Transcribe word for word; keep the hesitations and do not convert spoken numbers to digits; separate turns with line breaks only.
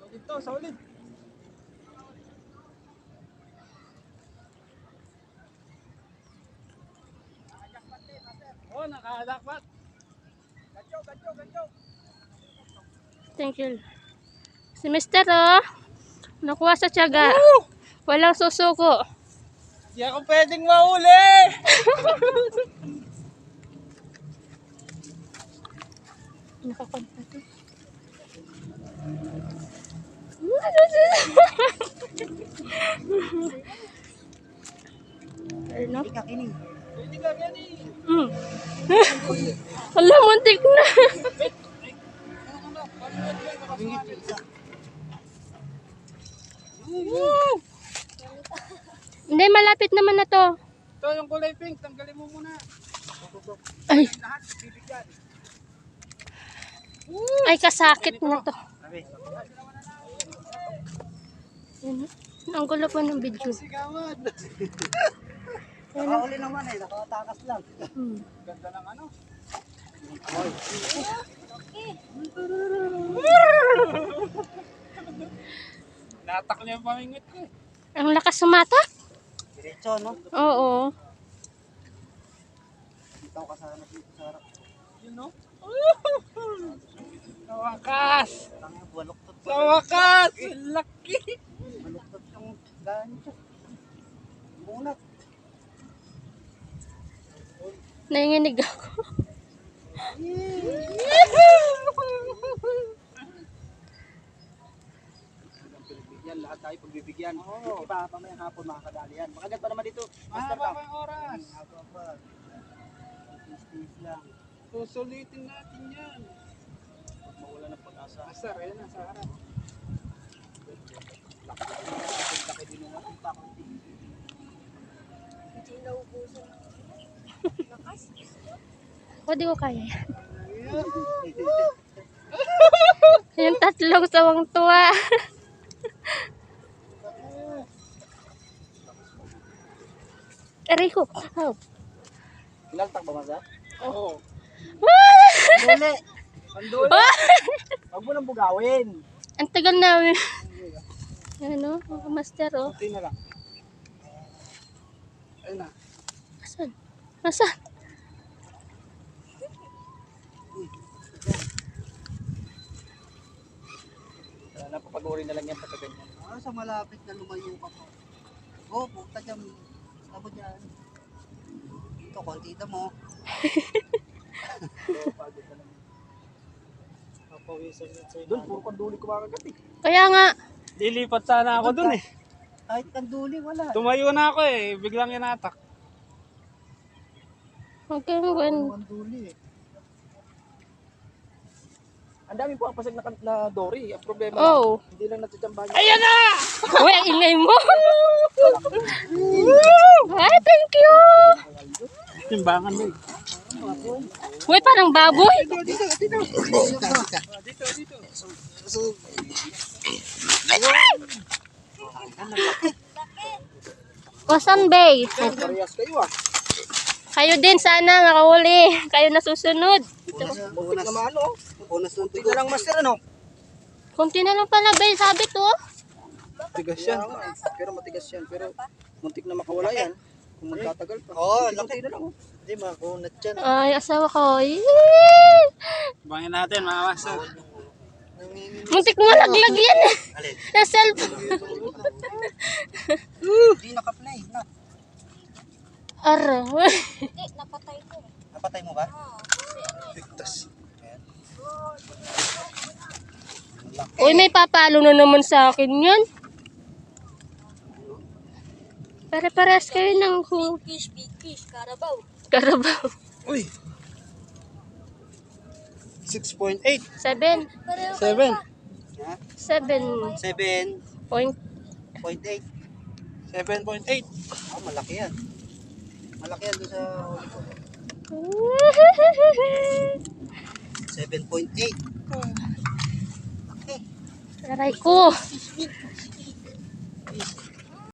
Dito, sa ulit. Oh, nakadakpat. Gancho, gancho, gancho.
Thank you. Si Mister oh, nakuha sa tiyaga. Walang susuko.
Di ako pwedeng mahuli.
Nakakonta to. Ano?
Hindi ka kining. Hindi ka kining.
Hmm. Wala, muntik na. Hindi, malapit naman na to.
Ito yung kulay pink, tanggalin mo muna.
Ay,
Lahat, bibigyan.
ay kasakit na to. Yan, ang gulo pa ng video.
Sigawan.
Nakahuli naman eh, nakatakas lang.
Hmm.
Ganda ng ano. Natak niya yung pamingit ko eh.
Ang lakas sumatak?
Diretso, no?
Oo.
Dito ka sa ano, dito sa harap.
Yun no? Sa wakas!
Tangin, baluktot
Sa wakas! Laki!
Baluktot yung gancho. Bunat.
Nanginginig ako.
Pagbibigyan, lahat tayo pagbibigyan. Oo. Iba, mamayang hapon makakadali yan. Makagat pa naman dito. Master
Mahaba
ka.
pa yung oras.
Haba pa. Tis-tis lang.
Susulitin natin yan.
Huwag mawala ng pag-asa.
Master, ayun na sa harap.
Laki din yung ating pa.
Hindi naubusan ng lakas.
O, di ko kaya yan. Yung tatlong sawang tuwa. Aray ko. Oh.
Inaltak ba, Maza?
Oo.
Duli!
Panduli.
Huwag mo nang bugawin.
Ang tagal namin. Ano, mga master, oh.
Kunti na lang. Ayun na.
Asan? Asan?
Napapag-uri na lang yan pagka ganyan. Ah, sa malapit na lumayo ka po. Oo, oh, puta dyan. Tabo dyan. Ito, kontita mo.
Doon, puro kanduli kumakagat eh.
Kaya nga.
Lilipat sana ako doon eh.
Kahit kanduli, wala.
Tumayo na ako eh. Biglang inatak.
Huwag kang gwan.
Kanduli eh. Ang dami po ang pasag na, na Dory. Ang problema
Oh.
lang, hindi lang natutsambahan niya.
Ayan na!
Uy, ingay mo. Ay, thank you.
Timbangan mo eh.
Uy, parang baboy.
Dito, dito.
Dito, dito.
So,
Wasan Bay.
parehas kayo ah.
Kayo din sana nakahuli. Kayo na susunod.
Unas, unas na maano. Unas ng tigo. lang master ano?
Kunti na lang pala, Bay. Sabi to.
Matigas yan. Pero matigas yan. Pero muntik na makawala yan. Kung magtatagal pa. Oo, oh, laki na lang. Hindi, makunat yan.
Ay, asawa ko. Yee!
Bangin natin mga master.
Muntik mo laglag yan.
Alin?
Sa cellphone.
Hindi naka-play. Na.
Araw.
Hindi, napatay ko.
Napatay mo ba?
Oo, kasi ano eh.
Tigtas.
Uy, may papalo na naman sa akin yan. Pare-pares kayo ng hu-
Fish, big fish, karabaw.
Karabaw.
Uy! six point eight.
Seven.
Pareho kayo
Seven.
pa.
Ha?
Seven
seven
point.
point eight.
seven point eight.
Ah, malaki yan. Malaki yan doon sa seven point eight.
Aray ko.